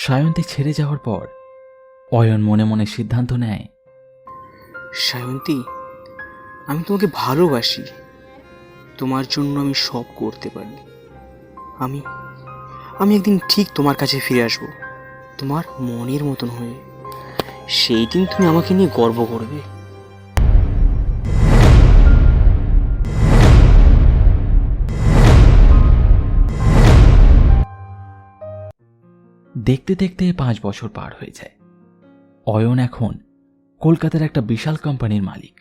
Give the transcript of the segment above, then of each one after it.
সায়ন্তী ছেড়ে যাওয়ার পর অয়ন মনে মনে সিদ্ধান্ত নেয়, সায়ন্তী, আমি তোমাকে ভালোবাসি। তোমার জন্য আমি সব করতে পারি। আমি আমি একদিন ঠিক তোমার কাছে ফিরে আসব, তোমার মনের মতন হয়ে। সেই দিন তুমি আমাকে নিয়ে গর্ব করবে। দেখতে দেখতে 5 বছর পার হয়ে যায়। অয়ন এখন কলকাতার একটা বিশাল কোম্পানির মালিক।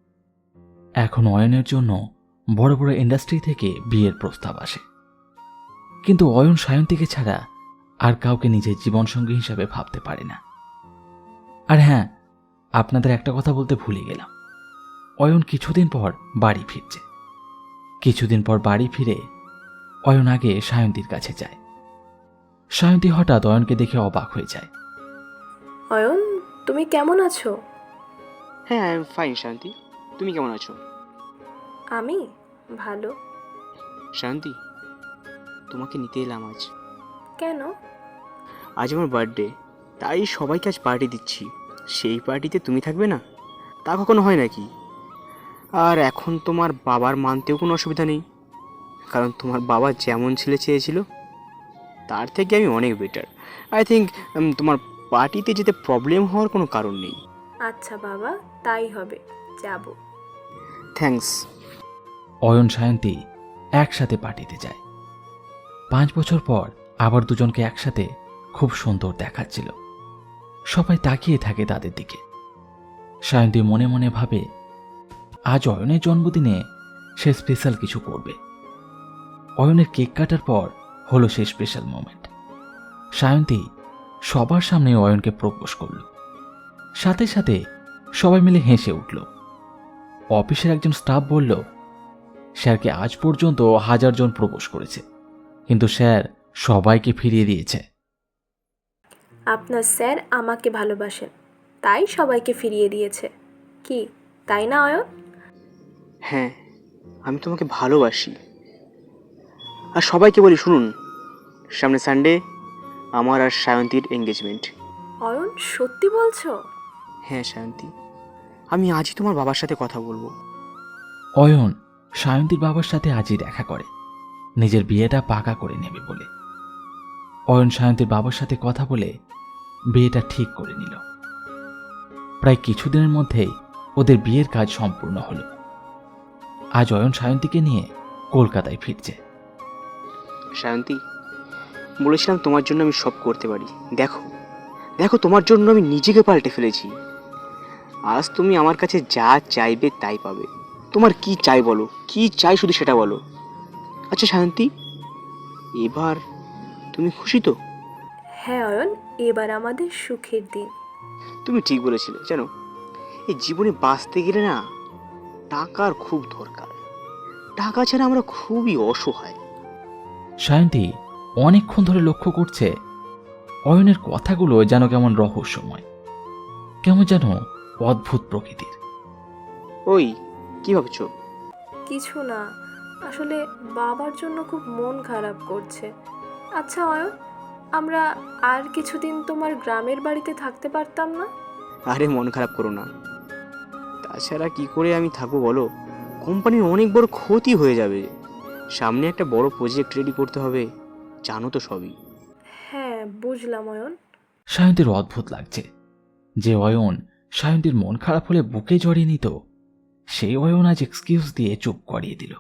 এখন অয়নের জন্য বড় বড় ইন্ডাস্ট্রি থেকে বিয়ের প্রস্তাব আসে, কিন্তু অয়ন সায়ন্তীকে ছাড়া আর কাউকে নিজের জীবনসঙ্গী হিসাবে ভাবতে পারে না। আর হ্যাঁ, আপনাদের একটা কথা বলতে ভুলে গেলাম, অয়ন কিছুদিন পর বাড়ি ফিরছে। কিছুদিন পর বাড়ি ফিরে অয়ন আগে সায়ন্তীর কাছে যায়। সায়ন্তী হঠাৎ অয়নকে দেখে অবাক হয়ে যায়। অয়ন, তুমি কেমন আছো? হ্যাঁ, আই এম ফাইন। শান্তি, তুমি কেমন আছো? আমি ভালো। শান্তি, তোমাকে নিতে এলাম আজ। কেন? আজ আমার বার্থডে, তাই সবাইকে আজ পার্টি দিচ্ছি। সেই পার্টিতে তুমি থাকবে না? তা কখনো হয় নাকি? আর এখন তোমার বাবার মানতেও কোনো অসুবিধা নেই, কারণ তোমার বাবা যেমন ছেলে চেয়েছিল তার থেকে আমি অনেক বেটার। আই থিঙ্ক তোমার পার্টিতে যেতে প্রবলেম হওয়ার কোনো কারণ নেই। আচ্ছা বাবা, তাই হবে, যাব। থ্যাঙ্কস। অয়ন সায়ন্তী একসাথে পার্টিতে যায়। 5 বছর পর আবার দুজনকে একসাথে খুব সুন্দর দেখাচ্ছিল। সবাই তাকিয়ে থাকে তাদের দিকে। সায়ন্তী মনে মনে ভাবে, আজ অয়নের জন্মদিনে সে স্পেশাল কিছু করবে। অয়নের কেক কাটার পর হলো সেই স্পেশাল মোমেন্ট। সায়ন্তী সবার সামনে অয়নকে প্রপোজ করল। সাথে সাথে সবাই মিলে হেসে উঠল। অফিসের একজন স্টাফ বলল, স্যারকে আজ পর্যন্ত 1000 জন প্রপোজ করেছে, কিন্তু স্যার সবাইকে ফিরিয়ে দিয়েছে। আপনার স্যার আমাকে ভালোবাসেন, তাই সবাইকে ফিরিয়ে দিয়েছে। কি তাই না অয়ন? হ্যাঁ, আমি তোমাকে ভালোবাসি। আর সবাইকে বলি, শুনুন, সামনে সানডে আমার আর সায়ন্তীর এঙ্গেজমেন্ট। অয়ন, সত্যি বলছো? হ্যাঁ সায়ন্তী, আমি আজই তোমার বাবার সাথে কথা বলবো। অয়ন সায়ন্তীর বাবার সাথে আজই দেখা করে, নিজের বিয়েটা পাকা করে নেবে বলে। অয়ন সায়ন্তীর বাবার সাথে কথা বলে বিয়েটা ঠিক করে নিল। প্রায় কিছুদিনের মধ্যেই ওদের বিয়ের কাজ সম্পূর্ণ হলো। আজ অয়ন সায়ন্তীকে নিয়ে কলকাতায় ফিরছে। সায়ন্তী, বলেছিলাম তোমার জন্য আমি সব করতে পারি। দেখো দেখো, তোমার জন্য আমি নিজেকে পাল্টে ফেলেছি। আজ তুমি আমার কাছে যা চাইবে তাই পাবে। তোমার কি চাই বলো, কি চাই শুধু সেটা বলো। আচ্ছা সায়ন্তী, এবার তুমি খুশি তো? হ্যাঁ অয়ন, এবার আমাদের সুখের দিন। তুমি ঠিক বলেছিলে। জানো, এই জীবনে বাঁচতে গেলে না টাকার খুব দরকার। টাকা ছাড়া আমরা খুবই অসহায়। সায়ন্তী অনেকক্ষণ ধরে লক্ষ্য করছে অয়নের কথাগুলো যেন কেমন রহস্যময়, কেমন যেন অদ্ভুত প্রকৃতির। ওই, কি ভাবছো? কিছু না, আসলে বাবার জন্য খুব মন খারাপ করছে। আচ্ছা অয়ন, আমরা আর কিছুদিন তোমার গ্রামের বাড়িতে থাকতে পারতাম না? আরে মন খারাপ করো না। তাছাড়া কি করে আমি থাকবো বলো? কোম্পানির অনেক বড় ক্ষতি হয়ে যাবে। সামনে একটা বড় প্রজেক্ট রেডি করতে হবে, জানো তো সবই। হ্যাঁ বুঝলাম অয়ন। সায়ন্তীর অদ্ভুত লাগছে যে অয়ন সায়ন্তীর মন খারাপ হলে বুকে জড়িয়ে নিত, সেই অয়ন আজ এক্সকিউজ দিয়ে চুপ করিয়ে দিল।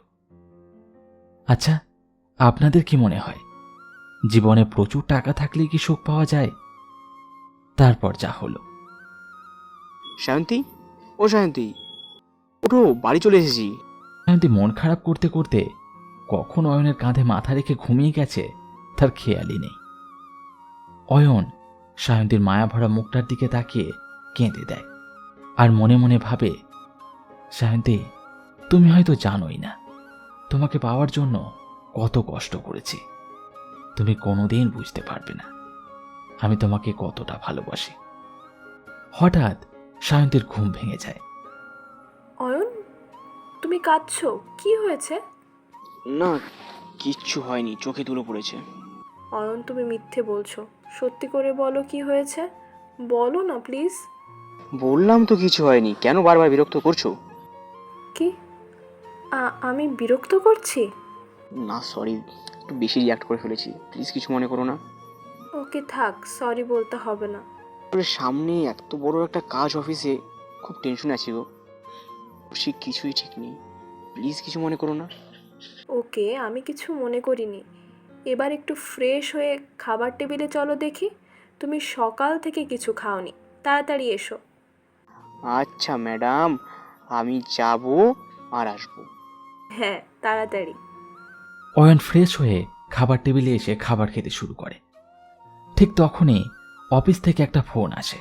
আচ্ছা, আপনাদের কি মনে হয়, জীবনে প্রচুর টাকা থাকলে কি সুখ পাওয়া যায়? তারপর যা হলো। সায়ন্তী, ও সায়ন্তী, ওঠো, বাড়ি চলে এসেছি। সায়ন্তী মন খারাপ করতে করতে কখন অয়নের কাঁধে মাথা রেখে ঘুমিয়ে গেছে তার খেয়ালই নেই। অয়ন সায়ন্তীর মায়াভরা মুখটার দিকে তাকিয়ে কেঁদে দেয়, আর মনে মনে ভাবে, সায়ন্তী, তুমি হয়তো জানোই না তোমাকে পাওয়ার জন্য কত কষ্ট করেছি। তুমি কোনোদিন বুঝতে পারবে না আমি তোমাকে কতটা ভালোবাসি। হঠাৎ সায়ন্তীর ঘুম ভেঙে যায়। অয়ন, তুমি কাঁদছো, কি হয়েছে? না, কিচ্ছু হয়নি, চোখে তুলো পড়েছে। অয়ন, তুমি মিথ্যে বলছো, সত্যি করে বলো কি হয়েছে, বলো না প্লিজ। বললাম তো কিছু হয়নি, কেন বারবার বিরক্ত করছো? কি আমি বিরক্ত করছি? না সরি, একটু বেশি রিয়াক্ট করে ফেলেছি, প্লিজ কিছু মনে করো না। ওকে থাক, সরি বলতে হবে না। আসলে সামনে এত বড় একটা কাজ অফিসে, খুব টেনশন আছি গো, সে কিছুই ঠিক নেই, প্লিজ কিছু মনে করো না। ওকে, আমি কিছু মনে করিনি। এবার একটু ফ্রেশ হয়ে খাবার টেবিলে চলো দেখি। তুমি সকাল থেকে কিছু খাওনি, তাড়াতাড়ি এসো। আচ্ছা ম্যাডাম, আমি যাব আর আসবো। হ্যাঁ, তাড়াতাড়ি। অয়ন ফ্রেশ হয়ে খাবার টেবিলে এসে খাবার খেতে শুরু করে। ঠিক তখনই অফিস থেকে একটা ফোন আসে।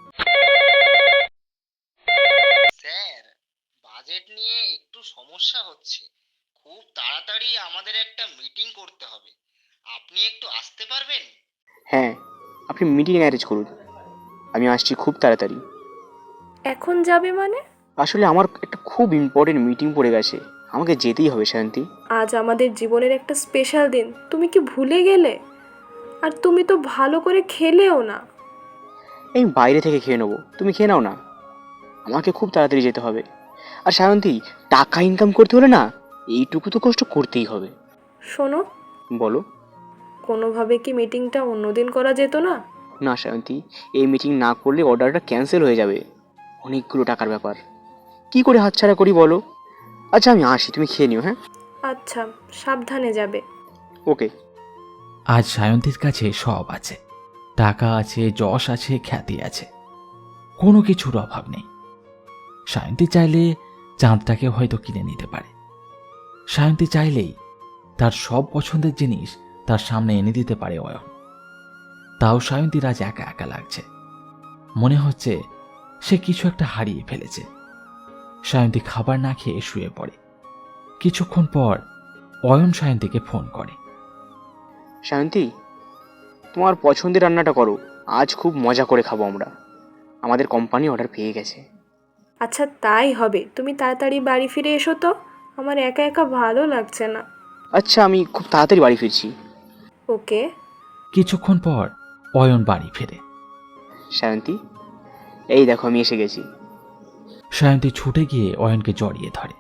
স্যার, বাজেট নিয়ে একটু সমস্যা হচ্ছে। খুব তাড়াতাড়ি আমাদের একটা মিটিং করতে হবে। আপনি একটু আসতে পারবেন? হ্যাঁ, আপনি মিটিং অ্যারেঞ্জ করুন, আমি আসছি খুব তাড়াতাড়ি। এখন যাবে মানে? আসলে আমার একটা খুব ইম্পর্টেন্ট মিটিং পড়ে গেছে, আমাকে যেতেই হবে শান্তি। আজ আমাদের জীবনের একটা স্পেশাল দিন, তুমি কি ভুলে গেলে? আর তুমি তো ভালো করে খেলেও না। এই বাইরে থেকে খেয়ে নেবো, তুমি খেয়ে নাও না, আমাকে খুব তাড়াতাড়ি যেতে হবে। আর সায়ন্তী, টাকা ইনকাম করতে হলে না এইটুকু তো কষ্ট করতেই হবে। শোনো, বলো। কোনোভাবে কি মিটিংটা অন্যদিন করা যেত না? না সায়ন্তী, এই মিটিং না করলে অর্ডারটা ক্যান্সেল হয়ে যাবে, অনেকগুলো টাকার ব্যাপার, কি করে হাতছাড়া করি বলো। আচ্ছা আমি আসি, তুমি খেয়ে নিও। হ্যাঁ, আচ্ছা, সাবধানে যাবে। ওকে। আজ সায়ন্তীর কাছে সব আছে, টাকা আছে, যশ আছে, খ্যাতি আছে, কোনো কিছুর অভাব নেই। সায়ন্তী চাইলে চাঁদটাকে হয়তো কিনে নিতে পারে। সায়ন্তী চাইলেই তার সব পছন্দের জিনিস তার সামনে এনে দিতে পারে অয়ন। তাও সায়ন্তীর আজ একা একা লাগছে, মনে হচ্ছে সে কিছু একটা হারিয়ে ফেলেছে। সায়ন্তী খাবার না খেয়ে শুয়ে পড়ে। কিছুক্ষণ পর অয়ন সায়ন্তীকে ফোন করে। সায়ন্তী, তোমার পছন্দের রান্নাটা করো, আজ খুব মজা করে খাবো আমরা, আমাদের কোম্পানি অর্ডার পেয়ে গেছে। আচ্ছা তাই হবে, তুমি তাড়াতাড়ি বাড়ি ফিরে এসো তো, আমার একা একা ভালো লাগছে না। আচ্ছা আমি খুব তাড়াতাড়ি বাড়ি ফিরছি। ওকে। কিছুক্ষণ পর অয়ন বাড়ি ফেরে। সায়ন্তী, এই দেখো আমি এসে গেছি। সায়ন্তী ছুটে গিয়ে অয়নকে জড়িয়ে ধরে।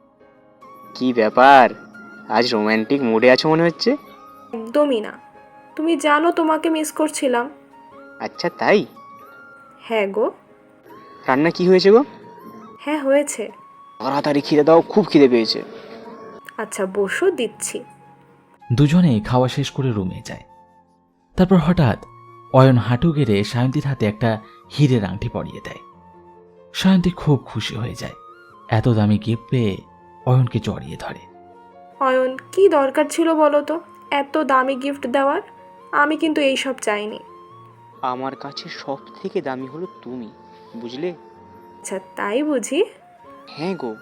কি ব্যাপার, আজ রোম্যান্টিক মুডে আছো মনে হচ্ছে। একদমই না, তুমি জানো তোমাকে মিস করছিলাম। আচ্ছা তাই? হ্যাঁ গো। রান্না কি হয়েছে গো? হ্যাঁ হয়েছে। তাড়াতাড়ি খিদে দাও, খুব খিদে পেয়েছে। আচ্ছা বসো, দিচ্ছি। দুজনেই খাওয়া শেষ করে রুমে যায়। তারপর হঠাৎ অয়ন হাঁটু গেড়ে সায়ন্তীর হাতে একটা হীরের আংটি পরিয়ে দেয়। সায়ন্তী খুব খুশি হয়ে যায়, এত দামি গিফট পেয়ে অয়নকে জড়িয়ে ধরে। অয়ন, কি দরকার ছিল বলো তো এত দামি গিফট দেওয়ার? আমি কিন্তু এইসব চাইনি। আমার কাছে সব থেকে দামি হলো তুমি, বুঝলে? আচ্ছা তাই বুঝি? হ্যাঁ গো।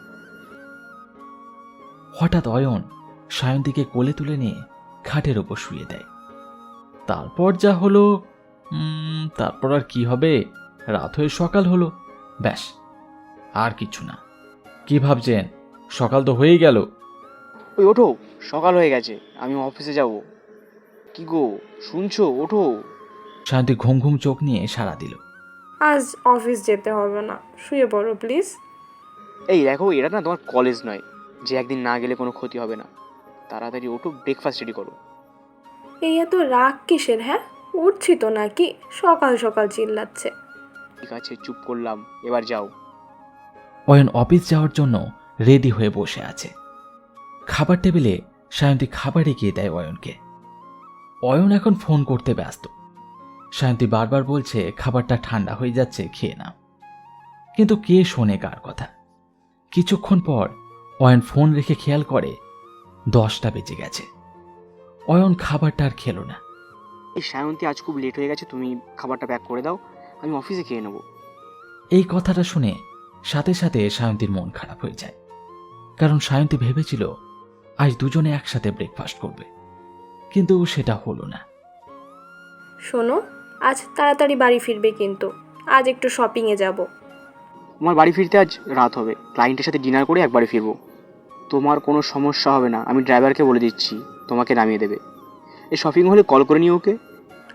হঠাৎ অয়ন সায়ন্তীকে কোলে তুলে নিয়ে খাটের ওপর শুয়ে দেয়। তারপর যা হলো, তারপর আর কি হবে, রাত হয়ে সকাল হলো, ব্যাস, আর কিছু না। কি ভাবছেন, সকাল তো হয়েই গেল। ওই ওঠো, সকাল হয়ে গেছে, আমি অফিসে যাব। কি গো, শুনছো? ওঠো। সায়ন্তী ঘুম ঘুম চোখ নিয়ে সাড়া দিল। আজ অফিস যেতে হবে না, শুয়ে পড়ো প্লিজ। এই দেখো, এটা না তোমার কলেজ নয় যে একদিন না গেলে কোনো ক্ষতি হবে না। তাড়াতাড়ি ওঠো, ব্রেকফাস্ট রেডি করো। এই এত রাগ কিসের? হ্যাঁ, উঠছি তো নাকি, সকাল সকাল চিল্লাচ্ছে। ঠিক আছে, চুপ করলাম, এবার যাও। অয়ন অফিস যাওয়ার জন্য রেডি হয়ে বসে আছে। খাবার টেবিলে সায়ন্তী খাবার এগিয়ে দেয় অয়নকে। অয়ন এখন ফোন করতে ব্যস্ত। সায়ন্তী বারবার বলছে খাবারটা ঠান্ডা হয়ে যাচ্ছে, খেয়ে নাও। কিন্তু কে শোনে কার কথা। কিছুক্ষণ পর অয়ন ফোন রেখে খেয়াল করে 10টা বেজে গেছে। অয়ন খাবারটা আর খেলো না। এই সায়ন্তী, আজ খুব লেট হয়ে গেছে, তুমি খাবারটা প্যাক করে দাও, আমি অফিসে খেয়ে নেবো। এই কথাটা শুনে সাথে সাথে সায়ন্তীর মন খারাপ হয়ে যায়, কারণ সায়ন্তী ভেবেছিল আজ দুজনে একসাথে ব্রেকফাস্ট করবে, কিন্তু সেটা হলো না। শোনো, আজ তাড়াতাড়ি বাড়ি ফিরবে কিন্তু, আজ একটু শপিংয়ে যাব। আমার বাড়ি ফিরতে আজ রাত হবে, ক্লায়েন্টের সাথে ডিনার করে একবারে ফিরবো। তোমার কোনো সমস্যা হবে না, আমি ড্রাইভারকে বলে দিচ্ছি তোমাকে নামিয়ে দেবে। এই শপিং হলে কল করে নিও ওকে।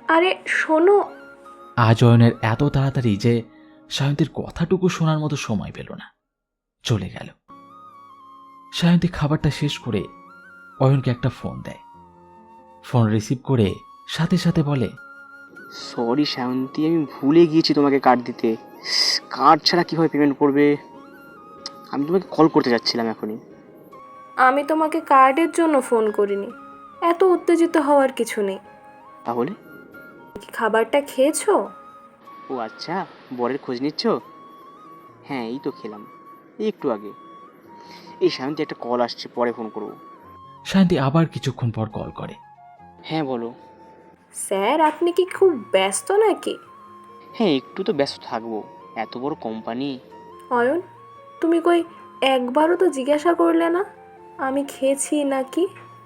আরে শোনো। আজ অয়নের এত তাড়াতাড়ি যে সায়ন্তীর কথাটুকু শোনার মতো সময় পেল না, চলে গেল। সায়ন্তী খাবারটা শেষ করে অয়নকে একটা ফোন দেয়। ফোন রিসিভ করে সাথে সাথে বলে, সরি শায়ন্তী, আমি ভুলে গিয়েছি তোমাকে কার্ড দিতে। কার্ড ছাড়া কীভাবে পেমেন্ট করবে? আমি তোমাকে কল করতে যাচ্ছিলাম এখনই। আমি তোমাকে কার্ডের জন্য ফোন করিনি, এত উত্তেজিত হওয়ার কিছু নেই। তাহলে? কি খাবারটা খেয়েছো? ও আচ্ছা, বরের খোঁজ নিচ্ছ? হ্যাঁ, এই তো খেলাম, এই একটু আগে। এই শায়ন্তী, একটা কল আসছে, পরে ফোন করবো। সায়ন্তী আবার কিছুক্ষণ পর কল করে। হ্যাঁ বলো। স্যার, আপনি কি খুব ব্যস্ত নাকি? হ্যাঁ, একটু তো ব্যস্ত থাকবো, এত বড় কোম্পানি। অয়ন, তুমি কই একবারও তো জিজ্ঞাসা করলে না আমি খেয়েছি নাকি?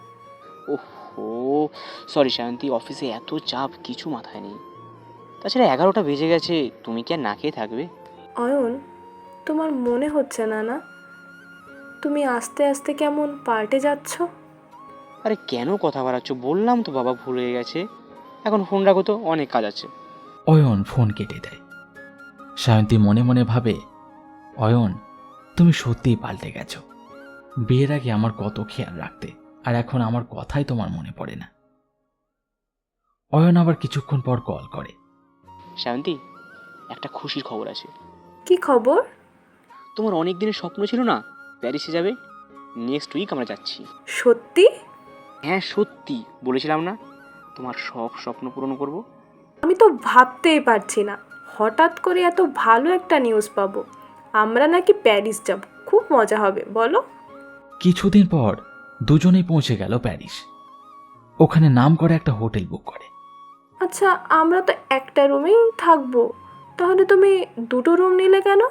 ওহো, সরি শায়ন্তী, অফিসে এত চাপ, কিছু মাথায় নেই। তাছাড়া 11টা বেজে গেছে, তুমি কি আর না খেয়ে থাকবে? অয়ন, তোমার মনে হচ্ছে না না তুমি আস্তে আস্তে কেমন পাল্টে যাচ্ছ? আরে কেন কথা বাড়াচ্ছ? বললাম তো বাবা ভুল হয়ে গেছে। এখন ফোন রাখো তো, অনেক কাজ আছে। অয়ন ফোন কেটে দেয়। সায়ন্তী মনে মনে ভাবে, অয়ন, তুমি সত্যিই পাল্টে গেছো। বিয়ের আগে আমার কত খেয়াল রাখতে, আর এখন আমার কথাই তোমার মনে পড়ে না। অয়ন আবার কিছুক্ষণ পর কল করে। শায়ন্তী, একটা খুশির খবর আছে। কি খবর? তোমার অনেক দিনের স্বপ্ন ছিল না, প্যারিসে যাবে। নেক্সট উইক আমরা যাচ্ছি। সত্যি? হ্যাঁ সত্যি, বলেছিলাম না তোমার সব স্বপ্ন পূরণ করব। আমি তো ভাবতেই পারছি না, হঠাৎ করে এত ভালো একটা নিউজ পাবো। আমরা নাকি প্যারিস যাব, খুব মজা হবে, বলো। কিছুদিন পর দুজনেই পৌঁছে গেল প্যারিস। ওখানে নাম করে একটা হোটেল বুক করে। আচ্ছা, আমরা তো একটা রুমেই থাকবো, তাহলে তুমি দুটো রুম নিলে কেন?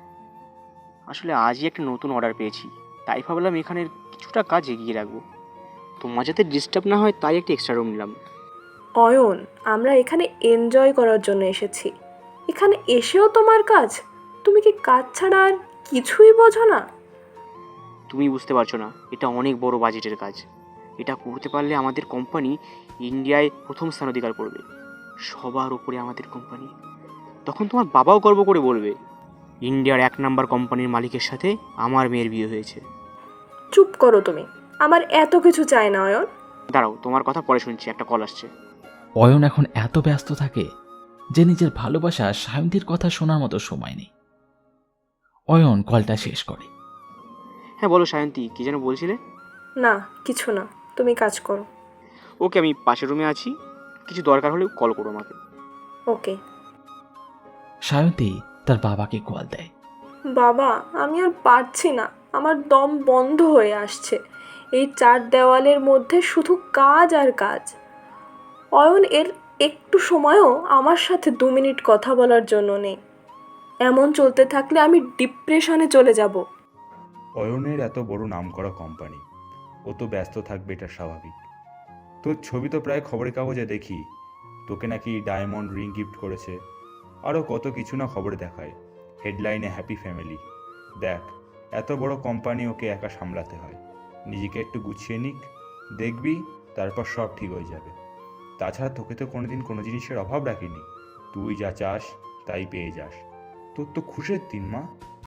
আসলে আজই একটা নতুন অর্ডার পেয়েছি, তাই ভাবলাম এখানের কিছুটা কাজ এগিয়ে রাখবো। তোমার যাতে ডিস্টার্ব না হয়, তাই একটা এক্সট্রা রুম নিলাম। অয়ন, আমরা এখানে এনজয় করার জন্য এসেছি, এখানে এসেও তোমার কাজ? তুমি কি কাজ ছাড়া আর কিছুই বোঝো না? তুমি বুঝতে পারছো না, এটা অনেক বড় বাজেটের কাজ। এটা করতে পারলে আমাদের কোম্পানি ইন্ডিয়ায় প্রথম স্থান অধিকার করবে, সবার উপরে আমাদের কোম্পানি। তখন তোমার বাবাও গর্ব করে বলবে, ইন্ডিয়ার 1 নাম্বার কোম্পানির মালিকের সাথে আমার মেয়ের বিয়ে হয়েছে। চুপ করো তুমি, আমার এত কিছু চাই না অয়ন। দাঁড়াও, তোমার কথা পরে শুনছি, একটা কল আসছে। অয়ন এখন এত ব্যস্ত থাকে যে নিজের ভালোবাসা সায়ন্তীর কথা শোনার মতো সময় নেই। অয়ন কলটা শেষ করে। হ্যাঁ বলো সায়ন্তী, কি যেন বলছিলে? না, কিছু না, তুমি কাজ করো। ওকে, আমি পাশের রুমে আছি, কিছু দরকার হলে কল করো আমাকে। ওকে। সায়ন্তী তার বাবাকে কল দেয়। বাবা, আমি আর পারছি না, আমার দম বন্ধ হয়ে আসছে। এই 4 দেওয়ালের মধ্যে শুধু কাজ আর কাজ। অয়ন এর একটু সময়ও আমার সাথে 2 মিনিট কথা বলার জন্য নেই। এমন চলতে থাকলে আমি ডিপ্রেশনে চলে যাব। অয়নের এত বড় নামকরা কোম্পানি, ও তো ব্যস্ত থাকবে, এটা স্বাভাবিক। তোর ছবি তো প্রায় খবরের কাগজে দেখি, তোকে নাকি ডায়মন্ড রিং গিফট করেছে, আরও কত কিছু না খবরে দেখায়, হেডলাইনে হ্যাপি ফ্যামিলি। দেখ, এত বড় কোম্পানি ওকে একা সামলাতে হয়, নিজেকে একটু গুছিয়ে নিক, দেখবি তারপর সব ঠিক হয়ে যাবে। তাছাড়া তোকে তো কোনোদিন কোনো জিনিসের অভাব রাখিনি, তুই যা চাস তাই পেয়ে যাস। তোর তো খুশির দিন, মা।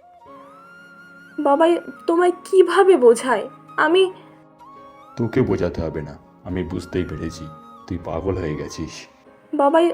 বাবাই তোমায় কিভাবে বোঝায়? আমি তোকে বোঝাতে হবে না, আমি বুঝতেই পেরেছি, তুই পাগল হয়ে গেছিস। বাবাই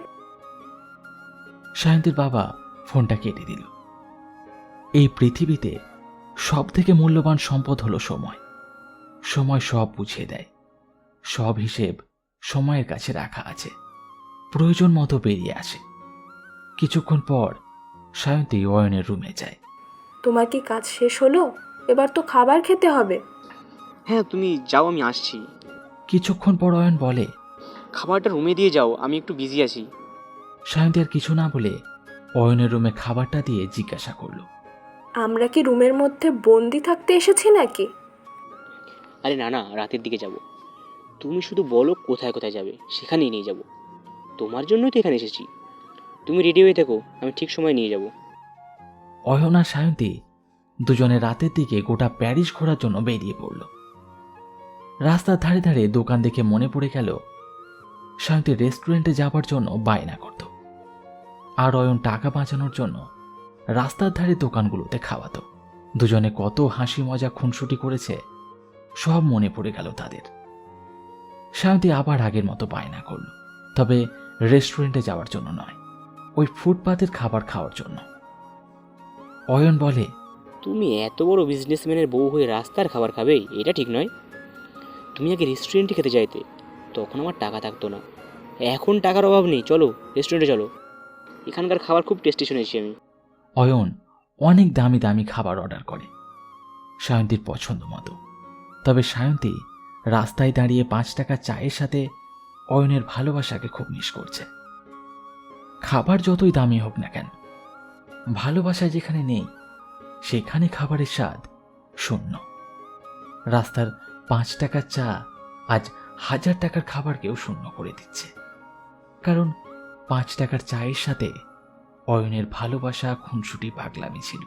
সায়ন্তীর বাবা ফোনটা কেটে দিল। এই পৃথিবীতে সব থেকে মূল্যবান সম্পদ হলো সময়। সময় সব বুঝিয়ে দেয়, সব হিসেব সময়ের কাছে রাখা আছে, প্রয়োজন মতো বেরিয়ে আসে। কিছুক্ষণ পর সায়ন্তী অয়নের রুমে যায়। তোমার কি কাজ শেষ হলো? এবার তো খাবার খেতে হবে। হ্যাঁ তুমি যাও, আমি আসছি। কিছুক্ষণ পর অয়ন বলে, খাবারটা রুমে দিয়ে যাও, আমি একটু বিজি আছি। সায়ন্তী আর কিছু না বলে অয়নের রুমে খাবারটা দিয়ে জিজ্ঞাসা করলো, আমরা কি রুমের মধ্যে বন্দি থাকতে এসেছি নাকি? আরে না না, রাতের দিকে যাব। তুমি শুধু বলো কোথায় কোথায় যাবে, সেখানেই নিয়ে যাব। তোমার জন্যই তো এখানে এসেছি। তুমি রেডি হয়ে থেকো, আমি ঠিক সময় নিয়ে যাব। অয়ন আর সায়ন্তী দুজনে রাতের দিকে গোটা প্যারিস ঘোরার জন্য বেরিয়ে পড়ল। রাস্তার ধারে ধারে দোকান দেখে মনে পড়ে গেল সায়ন্তী রেস্টুরেন্টে যাবার জন্য বায়না করত, আর অয়ন টাকা বাঁচানোর জন্য রাস্তার ধারে দোকানগুলোতে খাওয়াতো। দুজনে কত হাসি মজা খুনসুটি করেছে সব মনে পড়ে গেল তাদের। সায়ন্তী আবার আগের মতো বায়না করল, তবে রেস্টুরেন্টে যাওয়ার জন্য নয়, ওই ফুটপাতের খাবার খাওয়ার জন্য। অয়ন বলে, তুমি এত বড় বিজনেসম্যানের বউ হয়ে রাস্তার খাবার খাবে, এটা ঠিক নয়। তুমি আগে রেস্টুরেন্টে খেতে চাইতে, তখন আমার টাকা থাকতো না। এখন টাকার অভাব নেই, চলো রেস্টুরেন্টে চলো, এখানকার খাবার খুব টেস্টি শুনেছি আমি। অয়ন অনেক দামি দামি খাবার অর্ডার করে সায়ন্তীর পছন্দ মতো। তবে সায়ন্তী রাস্তায় দাঁড়িয়ে 5 টাকা চায়ের সাথে অয়নের ভালোবাসাকে খুব মিস করছে। খাবার যতই দামি হোক না কেন, ভালোবাসা যেখানে নেই সেখানে খাবারের স্বাদ শূন্য। রাস্তার 5 টাকার চা আজ 1000 টাকার খাবারকেও শূন্য করে দিচ্ছে, কারণ 5 টাকার চায়ের সাথে অয়নের ভালোবাসা খুনসুটি পাগলামি ছিল।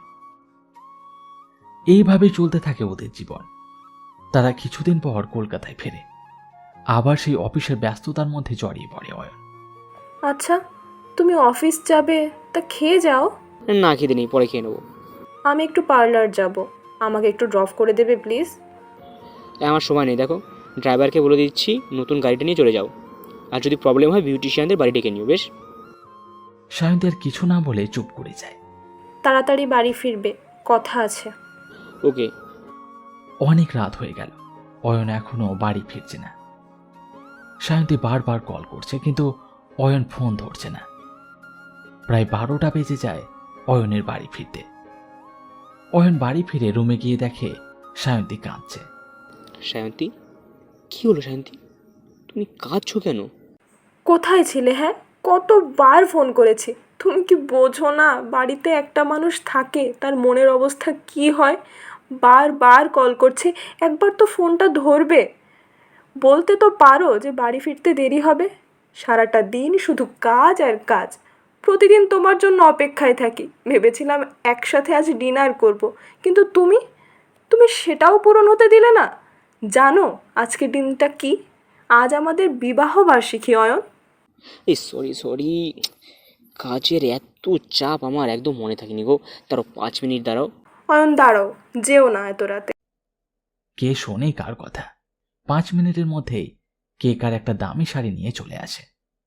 এইভাবে চলতে থাকে ওদের জীবন। তারা কিছুদিন পর কলকাতায় ফেরে, আবার সেই অফিসের ব্যস্ততার মধ্যে জড়িয়ে পড়ে অয়ন। আচ্ছা, তুমি অফিস যাবে, তা খেয়ে যাও। না খেতে নেই, পরে খেয়ে নেবো। আমি একটু পার্লার যাব, আমাকে একটু ড্রপ করে দেবে প্লিজ? আমার সময় নেই, দেখো ড্রাইভারকে বলে দিচ্ছি নতুন গাড়িটা নিয়ে চলে যাও, আর যদি প্রবলেম হয় বিউটিশিয়ানদের বাড়ি ডেকে নিও, বেশ? সায়ন্তী আর কিছু না বলে চুপ করে যায়। তাড়াতাড়ি বাড়ি ফিরবে, কথা আছে। ওকে। অনেক রাত হয়ে গেল, অয়ন এখনো বাড়ি ফিরছে না। সায়ন্তী বারবার কল করছে, কিন্তু অয়ন ফোন ধরছে না। প্রায় 12টা বেজে যায় অয়নের বাড়ি ফিরতে। অয়ন বাড়ি ফিরে রুমে গিয়ে দেখে সায়ন্তী কাঁদছে। সায়ন্তী, কি হলো সায়ন্তী, তুমি কাঁদছো কেন? কোথায় ছিলে? হ্যাঁ, কতবার ফোন করেছি, তুমি কি বোঝো না বাড়িতে একটা মানুষ থাকে তার মনের অবস্থা কি হয়? বারবার কল করছে, একবার তো ফোনটা ধরবে। বলতে তো পারো যে বাড়ি ফিরতে দেরি হবে। সারাটা দিন শুধু কাজ আর কাজ, প্রতিদিন তোমার জন্য অপেক্ষায় থাকি। ভেবেছিলাম একসাথে আজ ডিনার করব, কিন্তু তুমি তুমি সেটাও পূরণ হতে দিলে না। জানো আজকের দিনটা কি? আজ আমাদের বিবাহ বার্ষিকী অয়ন। এই সরি সরি, কাজের এত চাপ আমার একদম মনে থাকেনি গো। দাঁড়াও 5 মিনিট দাঁড়াও। অয়ন দাঁড়াও, যেও না এত রাতে। কে শোনে কার কথা? 5 মিনিটের মধ্যেই কে কার একটা দামি শাড়ি নিয়ে চলে আসে।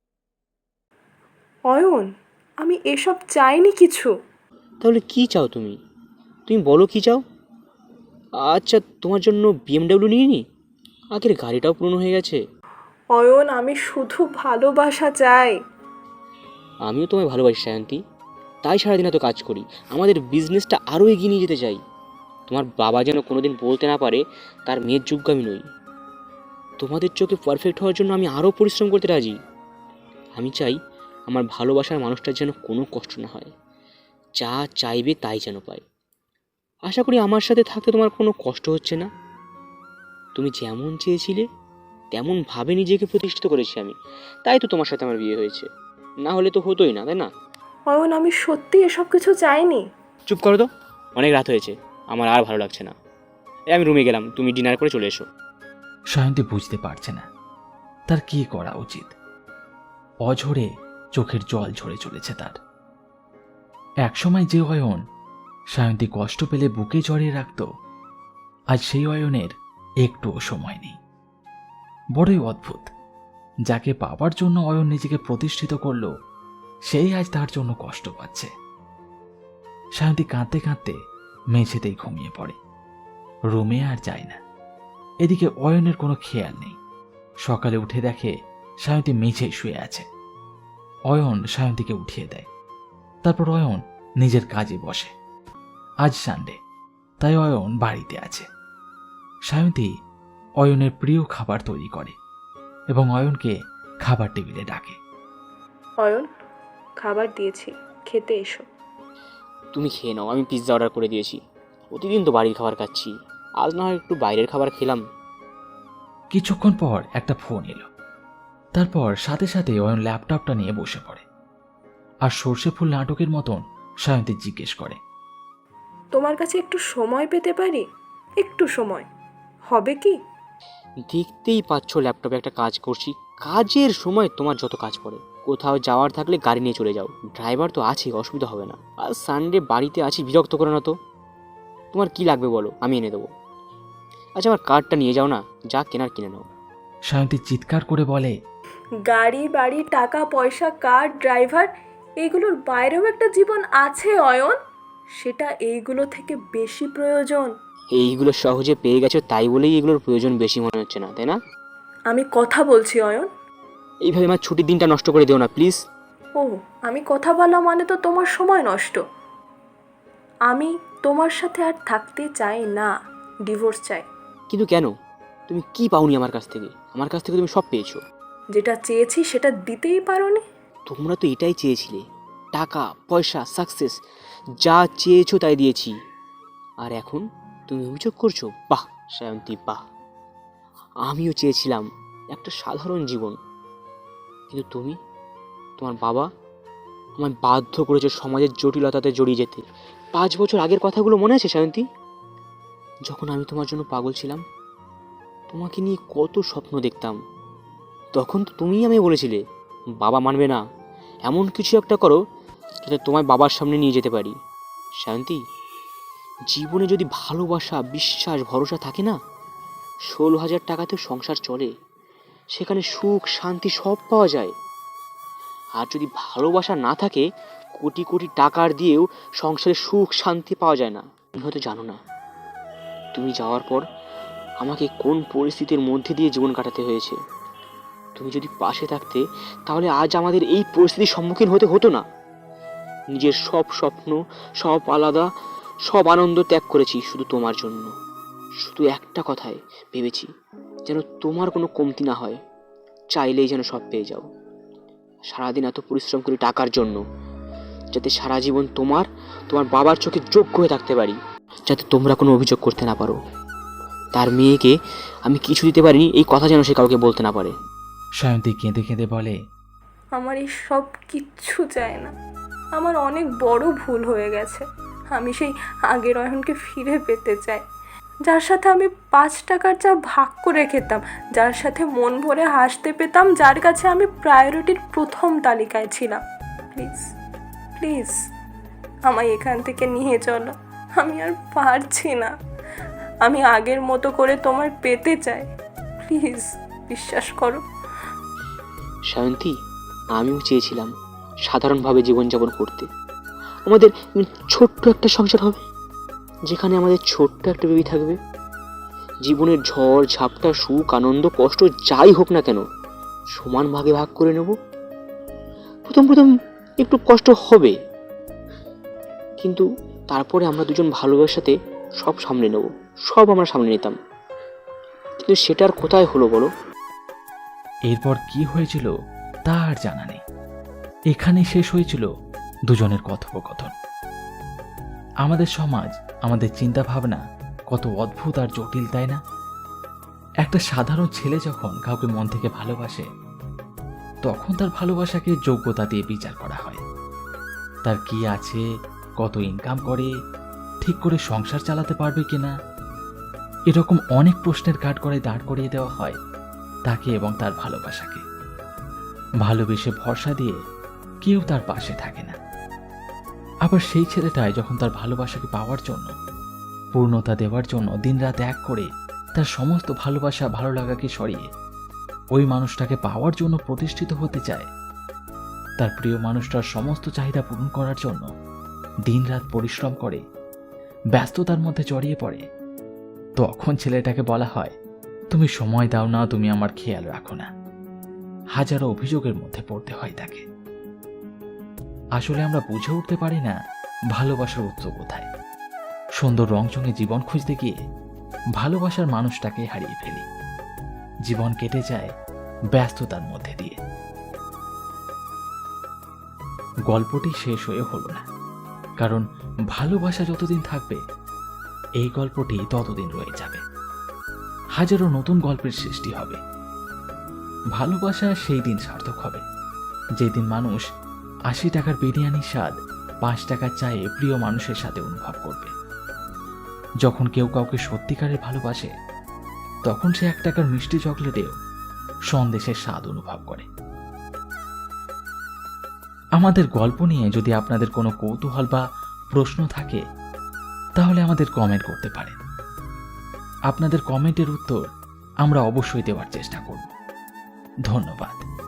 অয়ন, আমি এসব চাইনি কিছু। তাহলে কি চাও তুমি? তুমি বলো কি চাও। আচ্ছা, তোমার জন্য বিএমডাব্লিউ নিয়ে নি, আগের গাড়িটাও পুরনো হয়ে গেছে। অয়ন, আমি শুধু ভালোবাসা চাই। আমিও তোমায় ভালোবাসি সায়ন্তী, তাই সারাদিন এত কাজ করি, আমাদের বিজনেসটা আরও এগিয়ে নিয়ে যেতে চাই। তোমার বাবা যেন কোনোদিন বলতে না পারে তার মেয়ের যোগ্য আমি নই। তোমাদের চোখে পারফেক্ট হওয়ার জন্য আমি আরও পরিশ্রম করতে রাজি। আমি চাই আমার ভালোবাসার মানুষটার যেন কোনো কষ্ট না হয়, যা চাইবে তাই যেন পায়। আশা করি আমার সাথে থাকতে তোমার কোনো কষ্ট হচ্ছে না। তুমি যেমন চেয়েছিলে তেমনভাবে নিজেকে প্রতিষ্ঠিত করেছি আমি, তাই তো তোমার সাথে আমার বিয়ে হয়েছে, না হলে তো হতোই না, তাই না? অয়ন, আমি সত্যি এসব কিছু চাইনি। চুপ করো তো, অনেক রাত হয়েছে, আমার আর ভালো লাগছে না। আমি রুমে গেলাম, তুমি ডিনার করে চলে এসো। সায়ন্তী বুঝতে পারছে না তার কি করা উচিত। অঝরে চোখের জল ঝরে চলেছে তার। একসময় যে অয়ন সায়ন্তী কষ্ট পেলে বুকে জড়িয়ে রাখত, আজ সেই অয়নের একটুও সময় নেই। বড়ই অদ্ভুত, যাকে পাবার জন্য অয়ন নিজেকে প্রতিষ্ঠিত করল, সেই আজ তার জন্য কষ্ট পাচ্ছে। সায়ন্তী কাঁদতে কাঁদতে মেঝেতেই ঘুমিয়ে পড়ে, রুমে আর যায় না। এদিকে অয়নের কোনো খেয়াল নেই। সকালে উঠে দেখে সায়ন্তী মেঝেই শুয়ে আছে। অয়ন সায়ন্তীকে উঠিয়ে দেয়, তারপর অয়ন নিজের কাজে বসে। আজ সানডে, তাই অয়ন বাড়িতে আছে। সায়ন্তী অয়নের প্রিয় খাবার তৈরি করে এবং অয়নকে খাবার টেবিলে ডাকে। অয়ন, খাবার দিয়েছি, খেতে এসো। তুমি খেয়ে নাও, আমি পিৎজা অর্ডার করে দিয়েছি। প্রতিদিন তো বাড়ির খাবার খাচ্ছি, আজ না হয় একটু বাইরের খাবার খেলাম। কিছুক্ষণ পর একটা ফোন এলো, তারপর সাথে সাথে অয়ন ল্যাপটপটা নিয়ে বসে পড়ে আর সর্ষে ফুল নাটকের মতন সায়ন্তী জিজ্ঞেস করে, তোমার কাছে একটু সময় পেতে পারি? একটু সময় হবে কি? দেখতেই পাচ্ছ ল্যাপটপে একটা কাজ করছি, কাজের সময় তোমার যত কাজ পড়ে, কোথাও যাওয়ার থাকলে গাড়ি নিয়ে চলে যাও, ড্রাইভার তো আছেই, অসুবিধা হবে না। আর সানডে বাড়িতে আছি, বিরক্ত করে না তো। তোমার কি লাগবে বলো, আমি এনে দেবো। আচ্ছা আমার কার্ডটা নিয়ে যাও না, যা কেনার কিনে নাও। সায়ন্তী চিৎকার করে বলে, গাড়ি বাড়ি টাকা পয়সা কার ড্রাইভার এইগুলোর বাইরেও একটা জীবন আছে অয়ন, সেটা এইগুলো থেকে বেশি প্রয়োজন। এইগুলো সহজে পেয়ে গেছো তাই বলেই এগুলোর প্রয়োজন বেশি মনে হচ্ছে না, তাই না? আমি কথা বলছি অয়ন। এইভাবে আমার ছুটির দিনটা নষ্ট করে দিও না প্লিজ। ও, আমি কথা বলা মানে তো তোমার সময় নষ্ট। আমি তোমার সাথে আর থাকতে চাই না, ডিভোর্স চাই। কিন্তু কেন? তুমি কি পাওনি আমার কাছ থেকে? আমার কাছ থেকে তুমি সব পেয়েছো। যেটা চেয়েছি সেটা দিতেই পারোনি। তোমরা তো এটাই চেয়েছিলে, টাকা পয়সা সাকসেস, যা চেয়েছো তাই দিয়েছি। আর এখন তুমি অভিযোগ করছো? বাহ সায়ন্তী বাহ। আমিও চেয়েছিলাম একটা সাধারণ জীবন, কিন্তু তুমি, তোমার বাবা আমায় বাধ্য করেছে সমাজের জটিলতাতে জড়িয়ে যেতে। 5 বছর আগের কথাগুলো মনে আছে সায়ন্তী? যখন আমি তোমার জন্য পাগল ছিলাম, তোমাকে নিয়ে কত স্বপ্ন দেখতাম, তখন তো তুমিই আমায় বলেছিলে বাবা মানবে না, এমন কিছু একটা করো যাতে তোমায় বাবার সামনে নিয়ে যেতে পারি। সায়ন্তী, জীবনে যদি ভালোবাসা বিশ্বাস ভরসা থাকে না, 16,000 টাকাতেও সংসার চলে, সেখানে সুখ শান্তি সব পাওয়া যায়। আর যদি ভালোবাসা না থাকে, কোটি কোটি টাকার দিয়েও সংসারে সুখ শান্তি পাওয়া যায় না। তুমি হয়তো জানো না, তুমি যাওয়ার পর আমাকে কোন পরিস্থিতির মধ্যে দিয়ে জীবন কাটাতে হয়েছে। তুমি যদি পাশে থাকতে, তাহলে আজ আমাদের এই পরিস্থিতির সম্মুখীন হতে হতো না। নিজের সব স্বপ্ন, সব আলাদা, সব আনন্দ ত্যাগ করেছি শুধু তোমার জন্য। শুধু একটা কথায় ভেবেছি, যেন তোমার কোনো কমতি না হয়, চাইলেই যেন সব পেয়ে যাও। সারাদিন এত পরিশ্রম করি টাকার জন্য, যাতে সারা জীবন তোমার বাবার চোখে যোগ্য হয়ে থাকতে পারি, যাতে তোমরা কোনো অভিযোগ করতে না পারো। তার মেয়েকে আমি কিছু দিতে পারিনি, এই কথা যেন সে কাউকে বলতে না পারে। সায়ন্তী কেঁদে কেঁদে বলে, আমার এই সব কিচ্ছু চাই না। আমার অনেক বড় ভুল হয়ে গেছে। আমি সেই আগের অয়নকে ফিরে পেতে চাই, যার সাথে আমি 5 টাকার চা ভাগ করে খেতাম, যার সাথে মন ভরে হাসতে পেতাম, যার কাছে আমি প্রায়োরিটির প্রথম তালিকায় ছিলাম। প্লিজ প্লিজ আমায় এখান থেকে নিয়ে চলো, আমি আর পারছি না। আমি আগের মতো করে তোমায় পেতে চাই, প্লিজ বিশ্বাস করো। সায়ন্তী, আমিও চেয়েছিলাম সাধারণভাবে জীবনযাপন করতে। আমাদের ছোট্ট একটা সংসার হবে, যেখানে আমাদের ছোট্ট একটা বেবি থাকবে। জীবনের ঝড় ঝাপটা সুখ আনন্দ কষ্ট যাই হোক না কেন, সমান ভাগে ভাগ করে নেব। প্রথম প্রথম একটু কষ্ট হবে, কিন্তু তারপরে আমরা দুজন ভালোবাসাতে সব সামলে নেব, সব আমরা সামলে নিতাম। কিন্তু সেটা আর কোথায় হলো বলো? এরপর কি হয়েছিল তা আর জানা নেই। এখানেই শেষ হয়েছিল দুজনের কথোপকথন। আমাদের সমাজ, আমাদের চিন্তা ভাবনা কত অদ্ভুত আর জটিল, তাই না? একটা সাধারণ ছেলে যখন কাউকে মন থেকে ভালোবাসে, তখন তার ভালোবাসাকে যোগ্যতা দিয়ে বিচার করা হয়। তার কি আছে, কত ইনকাম করে, ঠিক করে সংসার চালাতে পারবে কিনা, এরকম অনেক প্রশ্নের কাঠগড়ায় দাঁড় করিয়ে দেওয়া হয় তাকে এবং তার ভালোবাসাকে। ভালোবেসে ভরসা দিয়ে কেউ তার পাশে থাকে না। আবার সেই ছেলেটাই যখন তার ভালোবাসাকে পাওয়ার জন্য, পূর্ণতা দেওয়ার জন্য দিনরাত এক করে তার সমস্ত ভালোবাসা ভালো লাগাকে সরিয়ে ওই মানুষটাকে পাওয়ার জন্য প্রতিষ্ঠিত হতে চায়, তার প্রিয় মানুষটার সমস্ত চাহিদা পূরণ করার জন্য দিনরাত পরিশ্রম করে, ব্যস্ততার মধ্যে জড়িয়ে পড়ে, তখন ছেলেটাকে বলা হয়, তুমি সময় দাও না, তুমি আমার খেয়াল রাখো না। হাজারো অভিযোগের মধ্যে পড়তে হয় তাকে। আসলে আমরা বুঝে উঠতে পারি না ভালোবাসার উৎস কোথায়। সুন্দর রংচঙে জীবন খুঁজতে গিয়ে ভালোবাসার মানুষটাকে হারিয়ে ফেলি। জীবন কেটে যায় ব্যস্ততার মধ্যে দিয়ে। গল্পটি শেষ হয়ে হলো না, কারণ ভালোবাসা যতদিন থাকবে এই গল্পটি ততদিন রয়ে যাবে। হাজারো নতুন গল্পের সৃষ্টি হবে। ভালোবাসা সেই দিন সার্থক হবে যেদিন মানুষ 80 টাকার বিরিয়ানির স্বাদ 5 টাকার চায়ে প্রিয় মানুষের সাথে অনুভব করবে। যখন কেউ কাউকে সত্যিকারের ভালোবাসে, তখন সে 1 টাকার মিষ্টি চকলেটেও সন্দেশের স্বাদ অনুভব করে। আমাদের গল্প নিয়ে যদি আপনাদের কোনো কৌতূহল বা প্রশ্ন থাকে তাহলে আমাদের কমেন্ট করতে পারেন। আপনাদের কমেন্টের উত্তর আমরা অবশ্যই দেওয়ার চেষ্টা করব। ধন্যবাদ।